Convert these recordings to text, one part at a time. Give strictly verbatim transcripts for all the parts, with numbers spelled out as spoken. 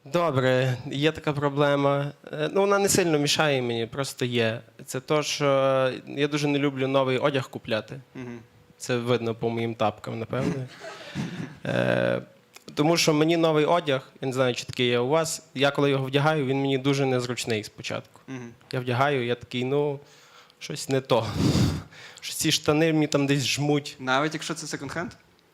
Добре, є така проблема. Е, Ну, вона не сильно мішає мені, просто є. Це то, що я дуже не люблю новий одяг купляти. Мгм. Це видно по моїм тапкам, напевно. Е, Тому що мені новий одяг, я не знаю, чи такий є у вас, я коли його вдягаю, він мені дуже незручний спочатку. Мгм. Я вдягаю, я такий, ну, щось не то. Що ці штани мені там десь жмуть. Навіть якщо це секонд-хенд?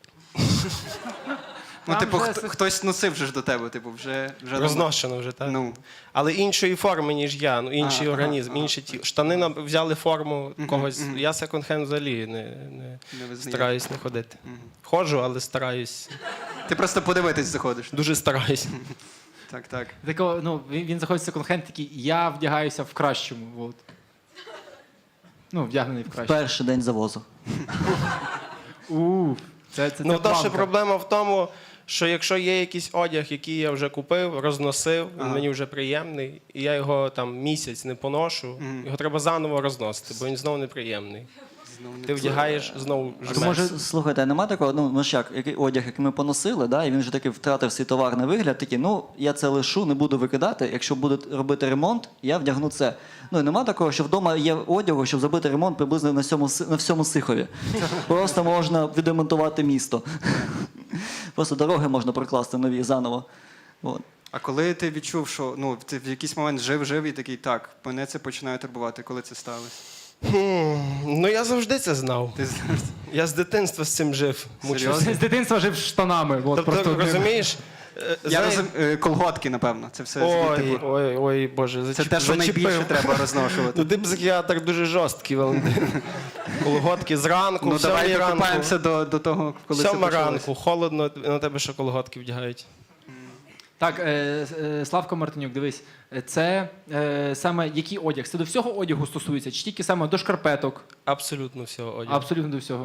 Ну, Там типу, вже хто- се- хтось носив вже ж до тебе, типу, вже... вже Розношено вже, так? Ну, Але іншої форми, ніж я, ну інший Ага, організм, ага, інші ті. Штани нам взяли форму когось. мгм. Я секонд-хенд взагалі не, не не визнаю. стараюсь не ходити. Мгм. Ходжу, але стараюсь. Ти просто подивитись заходиш. Дуже стараюсь. Так, так. Такого, ну, він, він заходить в секонд-хенд такий, я вдягаюся в кращому. От. Ну, вдягнений в кращому. Перший день завозу. У, це, це, Ну, це та ще планка. проблема в тому, що якщо є якийсь одяг, який я вже купив, розносив, він Ага. мені вже приємний, і я його там місяць не поношу, Мгм. його треба заново розносити, бо він знову неприємний. Знову не Ти вдягаєш, знову То жмеш. може, слухайте, а нема такого, ну, ну ж як, який одяг, який ми поносили, да, і він вже таки втратив свій товарний вигляд, такий, ну, я це лишу, не буду викидати, якщо буде робити ремонт, я вдягну це. Ну, і нема такого, що вдома є одягу, щоб зробити ремонт приблизно на всьому, Си- на всьому Сихові. Просто можна відремонтувати місто. Просто дороги можна прокласти нові заново. От. А коли ти відчув, що ну, ти в якийсь момент жив-жив і такий, так, мене це починає турбувати, коли це сталося? Хм, ну я завжди це знав. Ти знаєш? Я з дитинства з цим жив. мучився. З дитинства жив штанами. От, Тобто, просто розумієш? е, Я знаєш- розум... е, колготки, напевно. Це все Ой, звідти. ой, ой, Боже, Це зачеп... те, що зачепив. найбільше треба розношувати. Ну ти психіатр дуже жорсткий, Валентин. Колготки зранку, Ну в сьомій давай ранку. докопаємося до, до того, коли це Сьома почалося. ранку, холодно, на тебе ще колготки вдягають. Так, е, е, Славко Мартинюк, дивись, е, це е, саме який одяг? Це до всього одягу стосується, чи тільки саме до шкарпеток? Абсолютно всього одягу. Абсолютно до всього.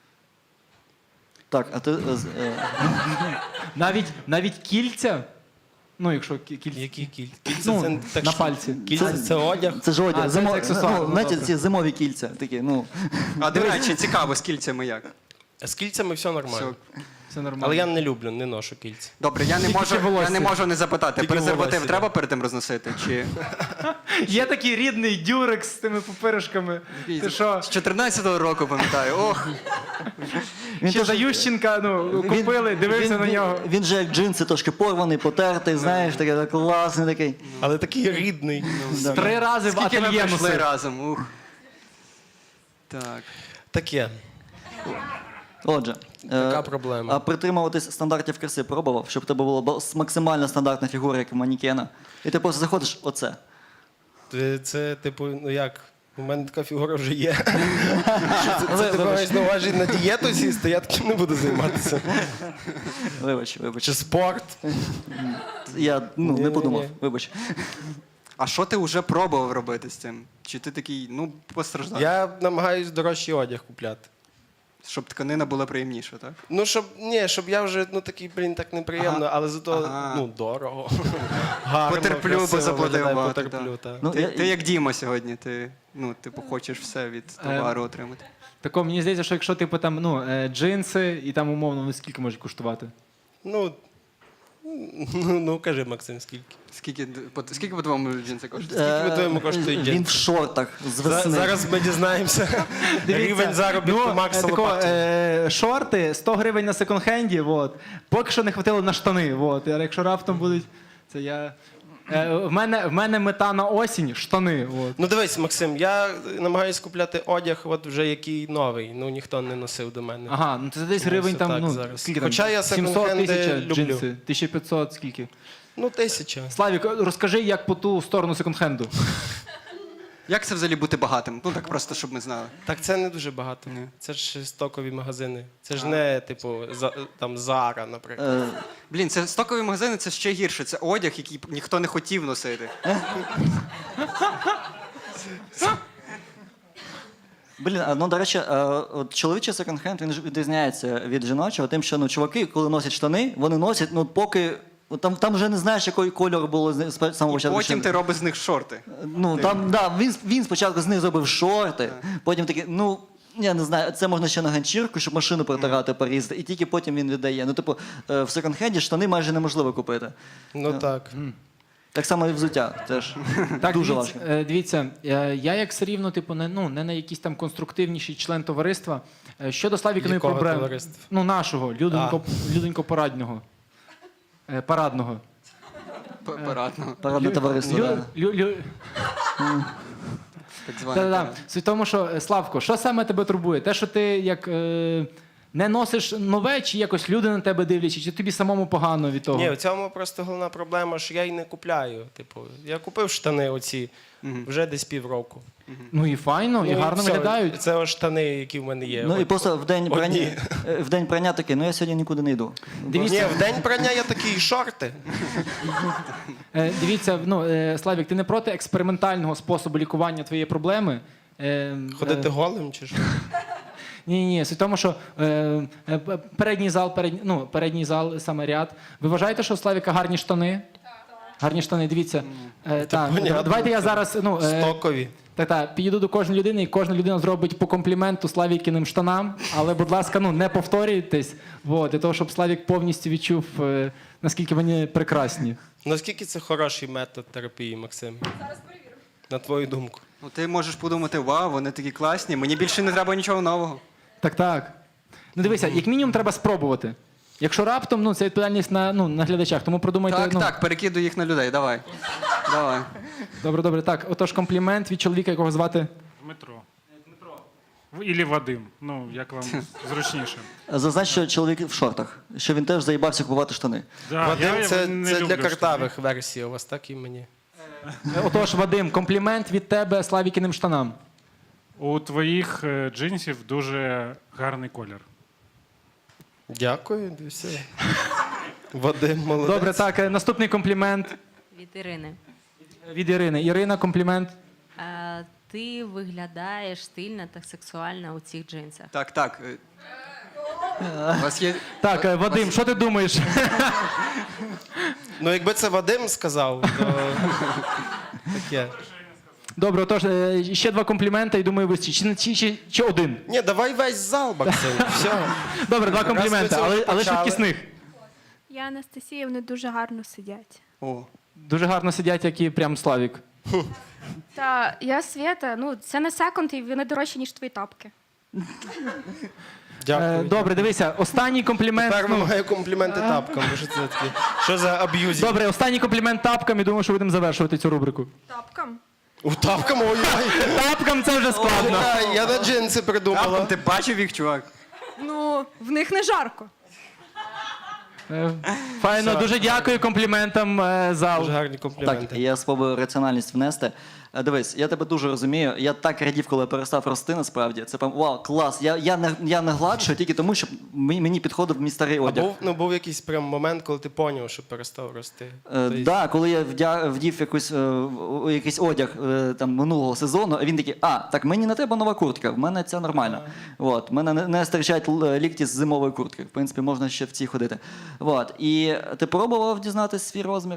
Так, а ти... е, з- е, Навіть, навіть кільця? Ну, якщо кі- кільця. Які кільця? Кільця Ну, це так на що- пальці. Кільця це, Це- одяг. Це ж одяг. А, це зимо- аксесуар, ну, ну, знаєте, добре. ці зимові кільця такі, ну... А до речі, цікаво, з кільцями як? З кільцями все нормально. Все. Все нормально. Але я не люблю, не ношу кільця. Добре, я не Тільки можу, волосся. я не можу не запитати, Тільки презерватив волосся, треба да. перед тим розносити? Чи Є такий рідний дюрекс з тими пупиришками. Ти що? з чотирнадцятого року пам'ятаю? Ох, Він Ще теж- за Ющенка ну, купили, дивився він, на він- нього. Він же як джинси трошки порваний, потертий, знаєш, такий так, класний такий. Але такий рідний. Три рази в скільки ми ательє пройшли носив. разом? Ух. Так. Таке. Отже, Така е, проблема. а притримуватись стандартів краси пробував, щоб в тебе була бо- максимально стандартна фігура, як у манікена. І ти просто заходиш оце. Це, це, типу, ну як? У мене така фігура вже є. Що це, Ви- це ти вибач. маєш на увазі на дієту сісти, я таким не буду займатися. Вибач, вибач. Чи спорт. Я ну, не Ні-ні-ні. подумав, вибач. А що ти вже пробував робити з цим? Чи ти такий, ну, постраждав? Я намагаюсь дорожчий одяг купляти. Щоб тканина була приємніша, так? Ну, щоб ні, щоб я вже ну такий, блін, так неприємно, Ага. але зато Ага. ну дорого. Гарно, Потерплю, бо красиво заплатив виглядає, багато, потерплю, та. Ну, Ти, я- ти як Діма сьогодні, ти, ну, типу, хочеш все від товару отримати. Тако, мені здається, що якщо типу там ну, е, джинси і там умовно, ну скільки можуть коштувати? Ну, ну, ну кажи, Максим, скільки? Скільки, по- скільки по-твоєму джинси коштують? Скільки, по-твоєму, коштують Він джинси? в шортах з За- весни. Зараз ми дізнаємося рівень заробітку ну, Макса е, тако, Лопатіна. е, шорти сто гривень на секонд-хенді, от. Поки що не хватило на штани. От. А якщо раптом будуть, це я. Е, в, мене, в мене мета на осінь штани. От. Ну дивись, Максим, я намагаюся купляти одяг, от вже який новий. Ну ніхто не носив до мене. Ага, ну це десь Ну, гривень це там, так ну, зараз. скільки там? Хоча я сімсот секонд-хенди тисяч люблю. джинси, тисяча п'ятсот, скільки? Ну, тисяча. Славік, розкажи, як по ту сторону секонд-хенду. Як це взагалі бути багатим? Ну так просто, щоб ми знали. Так це не дуже багато. Ні. Це ж стокові магазини. Це ж не, типу, за, там Зара, наприклад. Е, Блін, це стокові магазини, це ще гірше. Це одяг, який ніхто не хотів носити. Блін, а, ну, до речі, е, от чоловічий секонд-хенд, він ж відрізняється від жіночого, тим, що ну, чуваки, коли носять штани, вони носять, ну, поки... от Там, там вже не знаєш, який кольор було з з самого І початку. потім ще- ти робиш з них шорти. Ну, там, да, він, він спочатку з них зробив шорти, потім такий, ну, Я не знаю, це можна ще на ганчірку, щоб машину протирати, порізати, і тільки потім він віддає. Ну, типу, е, в секонд-хенді штани майже неможливо купити. Ну так. Так само і взуття теж. Так, Дуже дивіться, важко. е, дивіться, е, я як все рівно, типу, не, ну, не на якийсь там конструктивніший член товариства. Е, Щодо Славікиної Якого проблеми. товариства? Ну, нашого, люденько, люденько-парадного. Е, Парадного. П- Парадно, Парадне товариство, Лю- да. лю- лю- так зване. Та-да-да. Суть в тому, що, е, Славко, що саме тебе турбує? Те, що ти як е, не носиш нове, чи якось люди на тебе дивляться, чи тобі самому погано від того? Ні, в цьому просто головна проблема, що я й не купляю. Типу, я купив штани оці вже десь півроку. Ну і файно, і Ну, гарно все, виглядають. Це ось штани, які в мене є. Ну і От. просто в день прання, Одні. е, в день прання такий, ну я сьогодні нікуди не йду. Дивіться, Ні, в день прання я такі шорти. Е, Дивіться, ну, е, Славік, ти не проти експериментального способу лікування твоєї проблеми? Е, Ходити е, голим чи що? Ні, ні, суть в тому, що е, е, п- передній зал, передній, ну, передній зал, саме ряд. Ви вважаєте, що у Славіка гарні штани? Гарні штани, дивіться. Е, так, понятно. давайте я зараз ну, е, Стокові. так, так, підійду до кожної людини, і кожна людина зробить по компліменту Славікіним штанам, але, будь ласка, ну, не повторюйтесь, вот, для того, щоб Славік повністю відчув, е, наскільки вони прекрасні. Наскільки це хороший метод терапії, Максим? Зараз перевірю. На твою думку. Ну, ти можеш подумати, вау, вони такі класні, мені більше не треба нічого нового. Так, так. Ну дивися, як мінімум треба спробувати. Якщо раптом, ну це відповідальність на, ну, на глядачах, тому продумайте. Так, ну, так, перекидуй їх на людей, давай. Давай. Добре, добре. Так, отож комплімент від чоловіка, якого звати. Дмитро. Дмитро. Ілі Вадим. Ну, як вам зручніше. Зазнач, що чоловік в шортах, що він теж заїбався купувати штани. Да, Вадим, я це, не це люблю для штани. картавих версій, у вас так і мені. Е, Отож, Вадим, комплімент від тебе Славікіним штанам. У твоїх е, джинсів дуже гарний колір. Дякую, і все. Вадим, молодець. Добре, так, е, наступний комплімент Від Ірини. від Ірини. Ірина, комплімент. Е, Ти виглядаєш стильно та сексуально у цих джинсах. Так, так. е, У вас є. Так, е, Вадим, що ти думаєш? Ну, якби це Вадим сказав, то таке. Добре, отож, е, ще два компліменти, і думаю, вистачить. Чи, чи, чи, чи один? Ні, давай весь зал, Максим. Все. Добре, два компліменти, ми це але, вже але почали. швидкісних. Я Анастасія, вони дуже гарно сидять. О, Дуже гарно сидять, як і прям Славік. Та я Свята, ну це не секонд, і вони дорожчі, ніж твої тапки. Е, Дякую. Добре, дивися, останній комплімент. Тепер ну, вимагаю компліменти тапкам, бо що це таке? Що за аб'юзі? Добре, останній комплімент тапкам і думаю, що будемо завершувати цю рубрику. Тапкам? У тапкам, ой-ой. Тапкам це вже складно. Чекай, я на джинси придумала. Раптом ти бачив їх, чувак? Ну, в них не жарко. Е, Файно, Все. дуже дякую компліментам е, зал. Дуже гарні Так, компліменти. я спробую раціональність внести. Е, Дивись, я тебе дуже розумію. Я так радів, коли я перестав рости, насправді. Це прям вау, клас. Я, я, не, я не гладшую тільки тому, що мені, мені підходив мій старий А одяг. був, ну, був якийсь прям момент, коли ти поняв, що перестав рости. Е, Тобто, да, коли я вдя, вдів якусь, е, о- якийсь одяг е, там, минулого сезону, а він такий, а, так мені не треба нова куртка, в мене це нормально. От, мене не, не стирчать л- лікті з зимової куртки. В принципі, можна ще в цій ходити. От, і ти пробував дізнатися свій розмір?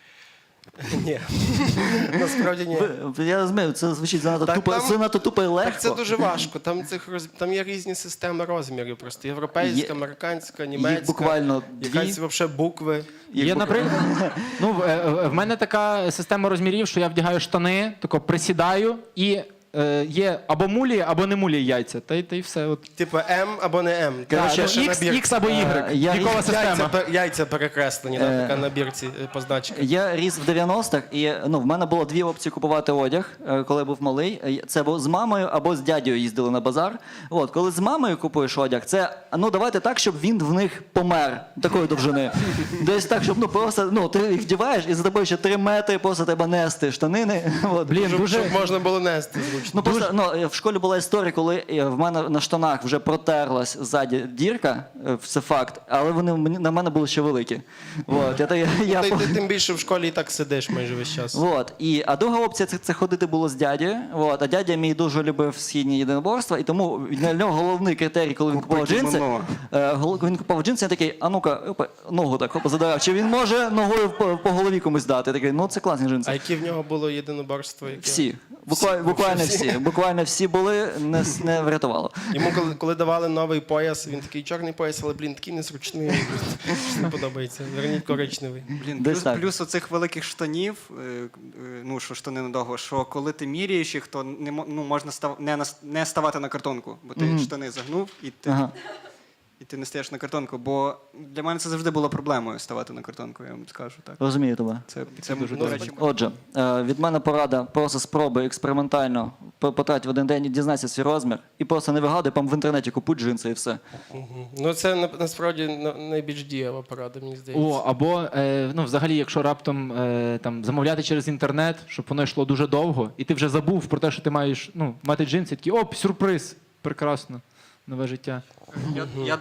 Ні. Насправді ні. Ви- Я розумію, це звучить занадто Так тупо, там- це надто тупо і легко. Так це дуже важко. Там, цих роз... там є різні системи розмірів. Просто європейська, Є- американська, німецька. Їх буквально дві. Якась взагалі букви. Їх Є, буквально- наприклад, ну, в, е, в мене така система розмірів, що я вдягаю штани, тако присідаю і е, є або мулі, або не мулі яйця. Та й, та й все. От. Типу М або не М. Так, Коротше, ну, ще X, набір. X або Y. Е, я- Вікова Яйця, система. пер- яйця перекреслені на Е. така набірці е, позначки. Я ріс в дев'яностих, і ну, в мене було дві опції купувати одяг, е, коли я був малий. Е, Це або з мамою, або з дядьою їздили на базар. От, коли з мамою купуєш одяг, це ну давайте так, щоб він в них помер такої довжини. Десь так, щоб ну просто ну ти їх вдіваєш, і за тобою ще три метри просто треба нести штанини. От. Блін, Щоб, дуже... щоб можна було нести зручно. Ну просто ну, е, в школі була історія, коли е, в мене на штанах вже протерлась ззаді дірка, е, це факт, але вони мені- на мене були ще великі. От, я, та- я, я, Ти, по- ти тим більше в школі і так сидиш майже весь час. От, і, а друга опція це, це ходити було з дядєю. От, а дядя мій дуже любив східні єдиноборства, і тому для нього головний критерій, коли він купував Купити джинси, воно. е, гол- коли він купував джинси, я такий, а ну-ка, опа, ногу так опа, задирав. Чи він може ногою по, по голові комусь дати? Я такий, ну це класні джинси. А які в нього було єдиноборство? Яке? Всі. Буквально, буквально всі. Буквально всі були, не, с- не врятувало. Йому коли, коли давали новий пояс, він такий чорний пояс, але, блін, такий незручний. Щось не подобається. Верніть коричневий. Блін, Десь плюс, так. плюс оцих великих штанів, е, е, ну що штани надовго, що коли ти міряєш їх, то не мо- ну, можна став, не, нас- не ставати на картонку, бо ти штани загнув і ти, Ага. і ти не стаєш на картонку. Бо для мене це завжди було проблемою ставати на картонку, я вам скажу так. Розумію тебе. Це, це дуже до добре. речі, Отже, е, від мене порада, просто спробуй експериментально по- потрать в один день, дізнайся свій розмір і просто не вигадуй, там в інтернеті купуй джинси і все. Мгм. Ну, це на- насправді на- найбільш дієва порада, мені здається. О, або е, ну, взагалі, якщо раптом е, там замовляти через інтернет, щоб воно йшло дуже довго, і ти вже забув про те, що ти маєш ну, мати джинси, такий оп, сюрприз! Прекрасно. Нове життя. я, я,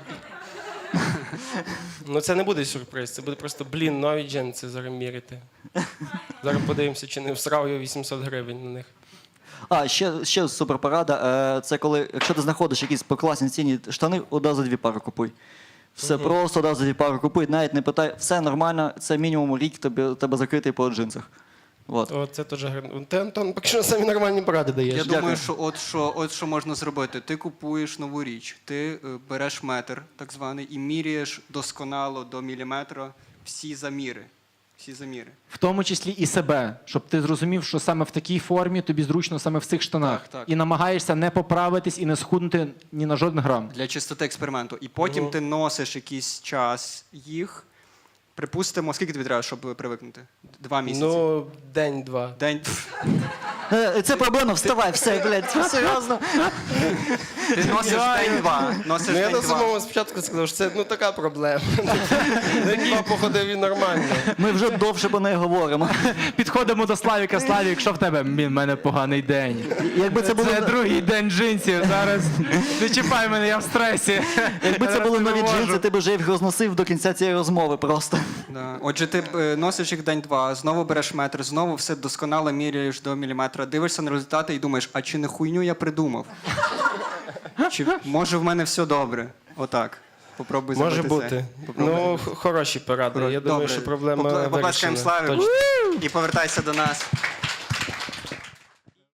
Ну це не буде сюрприз, це буде просто, блін, нові джинси зараз міряти. Зараз подивимося, чи не всрав я вісімсот гривень на них. А, ще, ще суперпорада. Е, це коли, якщо ти знаходиш якісь по класній ціні штани, одразу дві пари купуй. Все просто одразу дві пари купуй, навіть не питай, все нормально, це мінімум рік тебе, тебе закритий по джинсах. От. О, це теж гарно. Ти, Антон, поки що самі нормальні поради даєш. я Дякую. думаю, що от, що от що можна зробити. Ти купуєш нову річ, ти е, береш метр, так званий, і міряєш досконало до міліметра всі заміри. Всі заміри. В тому числі і себе, щоб ти зрозумів, що саме в такій формі тобі зручно саме в цих штанах. Так, так. І намагаєшся не поправитись і не схуднути ні на жоден грам. Для чистоти експерименту. І потім ти носиш якийсь час їх. Припустимо, скільки тобі треба, щоб привикнути? Два місяці. Ну, день-два. День. Е, це проблема, вставай, все, блядь, серйозно. Ти носиш день-два. Носиш Ну, я на день-два. самому спочатку сказав, що це ну, така проблема. День-два походив і нормально. Ми вже довше про неї говоримо. Підходимо до Славіка. Славік, що в тебе? Блін, в мене поганий день. Якби це було, Це другий день джинсів. Зараз не чіпай мене, я в стресі. якби це Зараз були не нові можу. джинси, ти б вже їх розносив до кінця цієї розмови просто. Да. Отже, ти е, носиш їх день-два, знову береш метр, знову все досконало міряєш до міліметра, дивишся на результати і думаєш, а чи не хуйню я придумав? Чи може в мене все добре? Отак. Попробуй Може зробити бути. це. Попробуй. Ну, х- хороші поради. Я думаю, Добре. що проблема Попла- Поплескаємо вирішена. Славі Точно. і повертайся до нас.